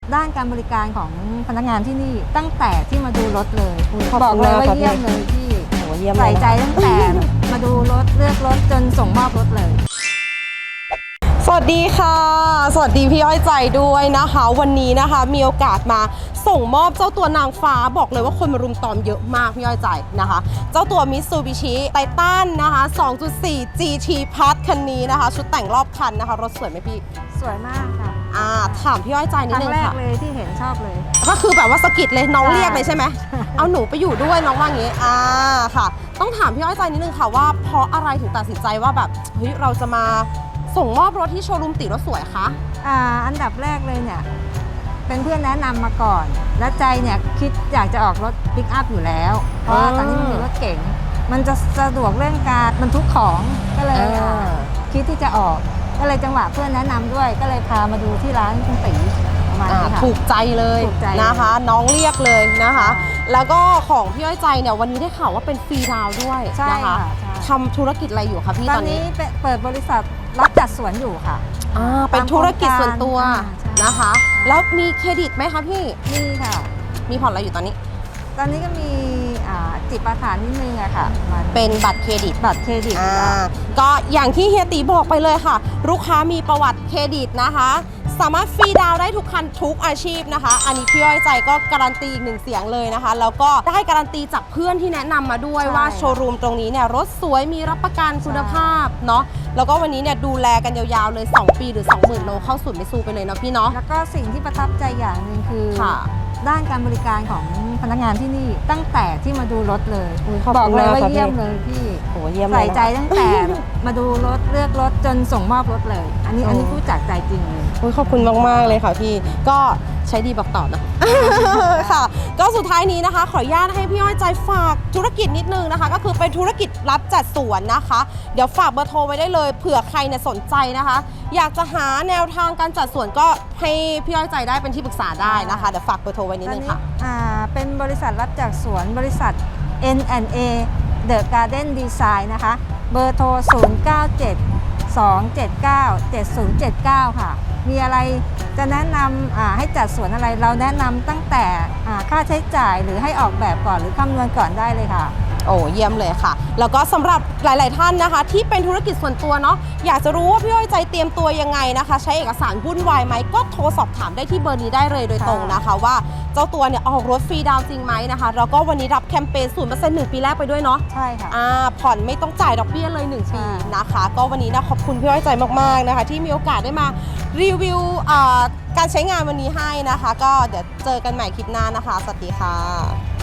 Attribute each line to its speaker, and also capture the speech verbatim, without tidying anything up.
Speaker 1: ด้านการบริการของพนักงานที่นี่ตั้งแต่ที่มาดูรถเลย
Speaker 2: ขอบ
Speaker 1: บอก
Speaker 2: คุณ
Speaker 1: เลย
Speaker 2: มาก
Speaker 1: ว่า
Speaker 2: ครับ
Speaker 1: เยี่ยมเลยที่
Speaker 2: โอ้เยี่ยมเล
Speaker 1: ใส่
Speaker 2: ยนะ
Speaker 1: ใจตั้งแต่มาดูรถเลือกรถจนส่งมอบรถเลย
Speaker 2: สวัสดีค่ะ สวัสดีพี่อ้อยใจด้วยนะคะ วันนี้นะคะมีโอกาสมาส่งมอบเจ้าตัวนางฟ้าบอกเลยว่าคนมารุมตอมเยอะมากพี่อ้อยใจนะคะ เจ้าตัว Mitsubishi Titan นะคะ สองจุดสี่ จี ที Plus คันนี้นะคะ ชุดแต่งรอบคันนะคะรถสวยไหมพี่
Speaker 1: สวยมากค่ะ
Speaker 2: อ่าถามพี่อ้อยใจนิ
Speaker 1: ค
Speaker 2: ด
Speaker 1: รั้
Speaker 2: นึ
Speaker 1: ง
Speaker 2: ง
Speaker 1: แรก
Speaker 2: ค่ะ
Speaker 1: เลยที่เห็นชอบเลย
Speaker 2: ก็คือแบบว่าสะกิดเลยน้อง
Speaker 1: ใช่
Speaker 2: เรียกเลยใช่ไหม เอาหนูไปอยู่ด้วยน้องว่างี้ อ่าค่ะ ต้องถามพี่อ้อยใจนิดนึงค่ะว่าเพราะอะไรถึงตัดสินใจว่าแบบเฮ้ยเราจะมาส่งมอบรถที่โชว์รูมติรถสวยคะ
Speaker 1: อ่าอันดับแรกเลยเนี่ยเป็นเพื่อนแนะนำมาก่อน และใจเนี่ยคิดอยากจะออกรถปิกอัพอยู่แล้ว เพราะว่าตอนนี้มันมีรถเก๋งมันจะสะดวกเรื่องการบรรทุกของก็เลย
Speaker 2: อ่า
Speaker 1: อ่าคิดที่จะออกก็เลยจังหวะเพื่อนแนะนำด้วย ก็เลยพามาดูที่ร้านคุณตีประมาณ
Speaker 2: อ่า
Speaker 1: นี้ค่ะ
Speaker 2: ถูกใจเลย
Speaker 1: ถูกใจ
Speaker 2: นะคะ น้องเรียกเลยนะคะ
Speaker 1: ใช่
Speaker 2: แล้วก็ของพี่อ้อยใจเนี่ยวันนี้ได้ข่าวว่าเป็นฟรีดาวน์ด้วย
Speaker 1: ใช่
Speaker 2: นะคะ
Speaker 1: ค่ะใช่
Speaker 2: ทำธุรกิจอะไรอยู่คะพี่
Speaker 1: ต
Speaker 2: ต
Speaker 1: อ
Speaker 2: อน น
Speaker 1: นี้
Speaker 2: นี้
Speaker 1: เปิดบริษัทรับจัดสวนอยู่ค่ะ
Speaker 2: อ่าเป็นธุรกิจส่วนตัว
Speaker 1: อ่าใช่
Speaker 2: นะคะ แล้วมีเครดิตไหมคะพี่
Speaker 1: นี่ค่ะ
Speaker 2: มีผ่อนอะไรอยู่ตอนนี้
Speaker 1: ตอนนี้ก็มีอ่าจิตประทานนิดนึงอะค่ะมา
Speaker 2: เป็นบัตรเครดิต
Speaker 1: บัตรเครดิต
Speaker 2: อ่า
Speaker 1: ค่ะ
Speaker 2: ก็อย่างที่เฮียตีบอกไปเลยค่ะ ลูกค้ามีประวัติเครดิตนะคะ สามารถฟรีดาวน์ได้ทุกคันทุกอาชีพนะคะ อันนี้พี่อ้อยใจก็การันตีอีกหนึ่งเสียงเลยนะคะ แล้วก็ได้การันตีจากเพื่อนที่แนะนำมาด้วย
Speaker 1: ใช่
Speaker 2: ว่าโชว์รูมตรงนี้เนี่ยรถสวยมีรับประกันคุณภาพเนาะแล้วก็วันนี้เนี่ยดูแลกันยาวๆเลย สอง ปีหรือ สองหมื่น โลเข้าศูนย์ไม่ซูไปเลยเนาะพี่เนาะ
Speaker 1: แล้วก็สิ่งที่ประทับใจอย่างหนึ่งคือ
Speaker 2: ค่ะ
Speaker 1: ด้านการบริการของพนักงานที่นี่ตั้งแต่ที่มาดูรถเลย
Speaker 2: อุ๊ยขอบ
Speaker 1: บอก
Speaker 2: คุณ
Speaker 1: เลย
Speaker 2: มาก
Speaker 1: ว่า
Speaker 2: ครับ
Speaker 1: เยี่ยม
Speaker 2: พี่
Speaker 1: เลยที่
Speaker 2: โอ้เยี่ยมเลย
Speaker 1: ใส่ใจ
Speaker 2: นะ
Speaker 1: ตั้งแต่ มาดูรถเลือกรถจนส่งมอบรถเลย อันนี้
Speaker 2: โอ้
Speaker 1: อันนี้พูดจากใจจริงเลย
Speaker 2: อุ๊ยขอบคุณมากๆเลยค่ะพี่ก็ใช้ดีบอกต่อนะ ค่ะ ก็สุดท้ายนี้นะคะ ขออนุญาตให้พี่อ้อยใจฝากธุรกิจนิดนึงนะคะ ก็คือเป็นธุรกิจรับจัดสวนนะคะ เดี๋ยวฝากเบอร์โทรไว้ได้เลยเผื่อใครเนี่ยสนใจนะคะ อยากจะหาแนวทางการจัดสวนก็ให้พี่อ้อยใจได้เป็นที่ปรึกษาได้นะคะเดี๋ยวฝากเบอร์โทรไว้นิด
Speaker 1: ตอน
Speaker 2: นึง
Speaker 1: นี้
Speaker 2: ค่ะ
Speaker 1: อ่าเป็นบริษัทรับจากสวนบริษัท เอ็น แอนด์ เอ The Garden Design นะคะ เบอร์โทร ศูนย์ เก้า เจ็ด สอง เจ็ด เก้า เจ็ด ศูนย์ เจ็ด เก้า ค่ะ มีอะไรจะแนะนำอ่าให้จัดสวนอะไรเราแนะนำตั้งแต่อ่าค่าใช้จ่ายหรือให้ออกแบบก่อนหรือคำนวณก่อนได้เลยค่ะ
Speaker 2: โอ้เยี่ยมเลยค่ะ แล้วก็สำหรับหลาย ๆ ท่านนะคะ ที่เป็นธุรกิจส่วนตัวเนาะอยากจะรู้ว่าพี่อ้อยใจเตรียมตัวยังไงนะคะ ใช้เอกสารวุ่นวายไหมก็โทรสอบถามได้ที่เบอร์นี้ได้เลยโดยตรงนะคะ ว่าเจ้าตัวเนี่ยออกรถฟรีดาวน์จริงไหมนะคะแล้วก็วันนี้รับแคมเปญ ศูนย์เปอร์เซ็นต์ หนึ่ง ปีแรกไปด้วยเนาะ
Speaker 1: ใช่ค่ะ
Speaker 2: อ่าผ่อนไม่ต้องจ่ายดอกเบี้ยเลยหนึ่ง
Speaker 1: ใช่
Speaker 2: ปีนะคะ ก็วันนี้นะขอบคุณพี่อ้อยใจมาก ๆ นะคะ ที่มีโอกาสได้มารีวิวอ่าการใช้งานวันนี้ให้นะคะ ก็เดี๋ยวเจอกันใหม่คลิปหน้านะคะสวัสดีค่ะ